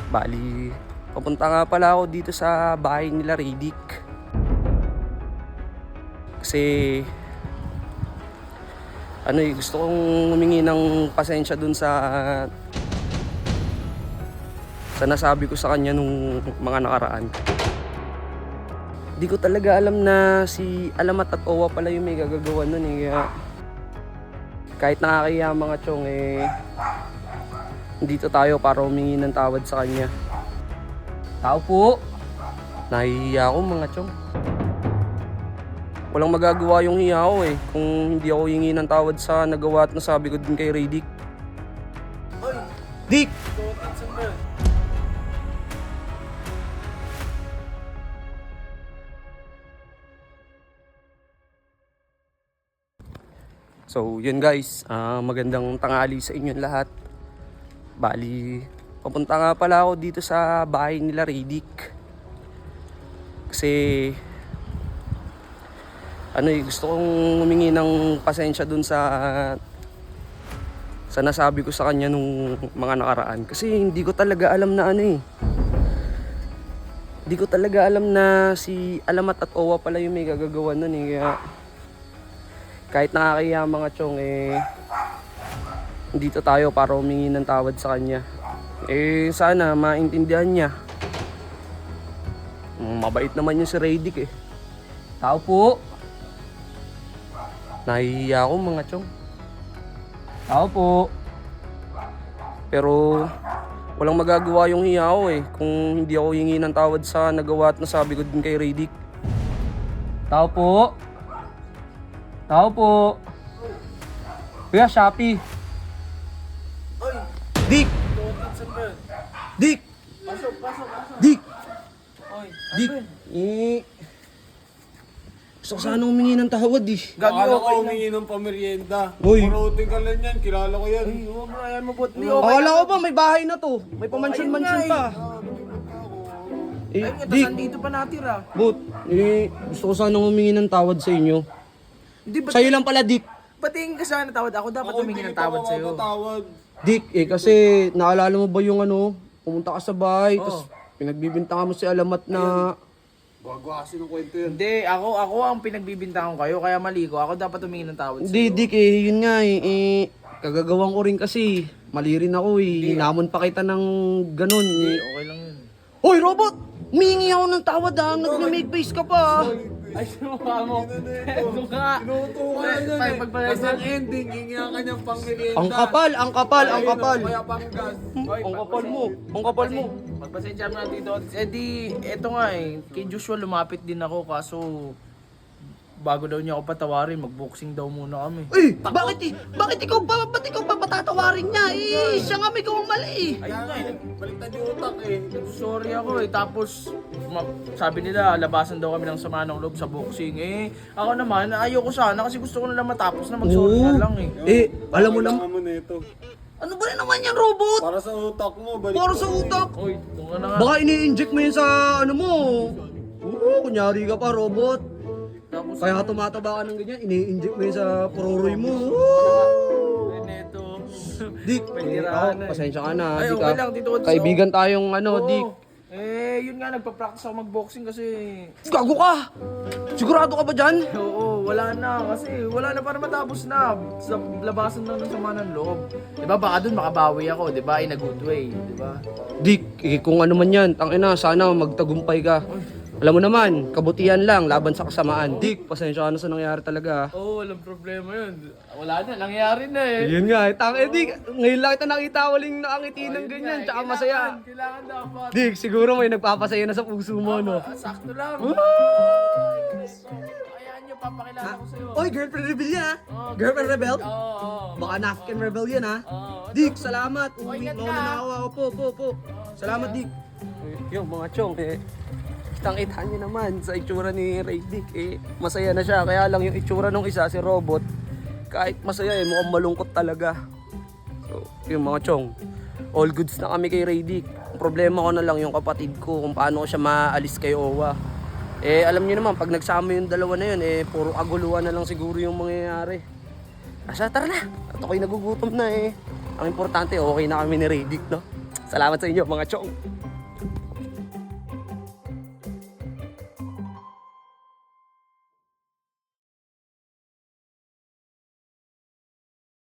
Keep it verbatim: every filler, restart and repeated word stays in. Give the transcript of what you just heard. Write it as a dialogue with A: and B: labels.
A: Bali, papunta nga pala ako dito sa bahay nila Radic. Kasi ano eh, gusto kong humingi ng pasensya dun sa sa nasabi ko sa kanya nung mga nakaraan. Di ko talaga alam na si Alamat at Owa pala yung may gagagawa nun eh. Kaya kahit nakakahiya mga chong eh, dito tayo para humingi ng tawad sa kanya. Tao po! Nahihiya ako mga chong. Walang magagawa yung hiya ko eh kung hindi ako hingi ng tawad sa nagawa at nasabi ko din kay Radic.
B: Oy!
A: Dick!
B: Saan ba yun?
A: So yun guys, uh, magandang tanghali sa inyong lahat. Bali, papunta nga pala ako dito sa bahay nila Radic. Kasi ano eh, gusto kong humingi ng pasensya dun sa sa nasabi ko sa kanya nung mga nakaraan. Kasi hindi ko talaga alam na ano eh. Hindi ko talaga alam na si Alamat at Owa pala yung may gagagawa nun eh. Kaya kahit nakakahiya mga chong eh, dito tayo para humingi ng tawad sa kanya. Eh sana maintindihan niya. Mabait naman yung si Radic eh. Tao po! Nahihiya ako mga chong. Tao po! Pero walang magagawa yung hiya ko eh kung hindi ako hingi ng tawad sa nagawa at nasabi ko din kay Radic. Tao po! Tao po! Kuya, Shopee!
B: Oy!
A: Dick!
B: Saan ba yun?
A: Dick!
B: Pasok, pasok, pasok!
A: Dick!
B: Oy!
A: Dick! Eh... Gusto ko sana humingi ng tawad eh.
B: Gagi,
C: Akala
B: okay
C: ko
B: lang.
C: humingi ng pamerienda.
A: Uy.
C: Maruting ka lang yan, kilala ko yan.
B: Ay, huwag mo, ayan mo, bot. Di, okay
A: Akala
B: lang.
A: ko ba may bahay na to? May pamansion-mansion
B: Ayun nga
A: pa. Eh,
B: Ayun nga, tas
A: Dick!
B: nandito pa natira.
A: But, eh, gusto ko sana humingi ng tawad sa inyo.
B: Hindi, ba't,
A: Sa'yo lang pala, Dick.
B: ba't tingin ka sana tawad? Ako dapat
C: Ako
B: humingi ng
C: hindi pa
B: tawad sa'yo.
C: makapatawad.
A: Dick, eh kasi naalala mo ba yung ano, pumunta ka sa bahay,
B: Oo.
A: tapos pinagbibintangan mo si Alamat na...
C: Bago kasi ng kwento yan.
B: Hindi, ako ako ang pinagbibintangan kayo, kaya mali ko. Ako dapat humingi ng tawad
A: Hindi,
B: sa'yo.
A: Dick eh, yun nga eh, eh kagagawang ko rin kasi. Mali rin ako eh, hinamon pa kita ng ganun eh.
B: Okay lang yun.
A: Hoy, robot! Humingi ako ng tawad ah, nag-make face ka pa ah.
B: Ay, sumukha mo. Ito ka.
C: Tinutukan
B: Ay,
C: yan
B: ay,
C: eh.
B: pagpala-
C: Kasi ang ending, hingi ka niyang pangmerienda.
A: Ang kapal, ang kapal, ang
C: Ayun,
A: kapal.
C: Kaya panggas.
A: Ang kapal mo, ang kapal mo.
B: Pagpasensya mo na dito. Eh di, eto nga eh. Kay Joshua lumapit din ako kaso bago daw niya ako patawarin, magboxing daw muna kami.
A: Eh, bakit eh? Bakit ikaw pa, ba't ikaw pa patatawarin niya? Eh, siya nga may gawang mali eh.
B: Ayun nga eh.
C: Baliktad yung utak eh.
B: Sorry ako eh. Tapos, ma- sabi nila, labasan daw kami ng sama ng loob sa boxing. Eh, ako naman, ayoko sana kasi gusto ko na lang matapos na mag-sorry na lang eh.
A: Eh, alam mo naman,
C: Kailangan mo na ito.
A: ano ba rin naman yan, robot?
C: Para sa utak mo, balik
A: Para
C: mo.
A: sa utak.
B: Oy, doon ka na nga.
A: Baka ini-inject mo yun sa ano mo. Oo, kunyari ka pa, robot.
B: Tapos,
A: Kaya tumataba ka ng ganyan, ini-inject mo yun sa puroroy mo. Woo!
B: eh, neto.
A: Dick,
B: May
A: eh,
B: tirahan
A: ako,
B: na eh.
A: pasensya ka na,
B: Ay,
A: Dick
B: okay
A: ah.
B: lang, dito ko sa-
A: Kaibigan tayong ano,
B: Oo.
A: Dick.
B: Eh, yun nga, nagpa-practice ako mag-boxing kasi...
A: Gago ka! Sigurado ka ba dyan?
B: Oo, wala na. Kasi wala na para matapos na. Sa labasan na ng sama ng loob. Diba, baka dun makabawi ako, diba? In a good way, diba?
A: Dick, eh, kung ano man yan, tangina, sana magtagumpay ka. Alam mo naman, kabutihan lang, laban sa kasamaan. Dick, pasensya ka na sa nangyari talaga.
B: Oo, oh, walang problema yun. Wala na, nangyari na eh.
A: Yun nga, eh, tang, eh, Dick, ngayon lang kita nakita waling nakangiti ng ganyan, tsaka
B: Kailangan-
A: masaya.
B: Kailangan dapat.
A: Dick, siguro may nagpapasaya na sa puso mo, no?
B: Ah, sakto lang. Ayan nyo, papakilala ko sa'yo.
A: Oy, girlfriend rebel yan, ha?
B: Oh,
A: Girlfriend rebel?
B: Oo, oo.
A: Baka African rebel yan, ha?
B: Oo.
A: Dick, salamat. Uwi,
B: ingat
A: mauna
B: ka.
A: na ako. Opo, opo, opo. Salamat, Dick. Yung mga chong, eh, kitang-kita nyo naman sa itsura ni Ray Dick, eh, masaya na siya. Kaya lang yung itsura nung isa, si Robot, kahit masaya, eh, mukhang malungkot talaga. So, yung mga chong, all goods na kami kay Ray Dick. Ang problema ko na lang yung kapatid ko, kung paano ko siya maalis kay Owa. Eh, alam niyo naman, pag nagsama yung dalawa na yun, eh, puro kaguluhan na lang siguro yung mangyayari. Asa, tara na. At ako'y nagugutom na eh. Ang importante, okay na kami ni Ray Dick, no? Salamat sa inyo, mga chong.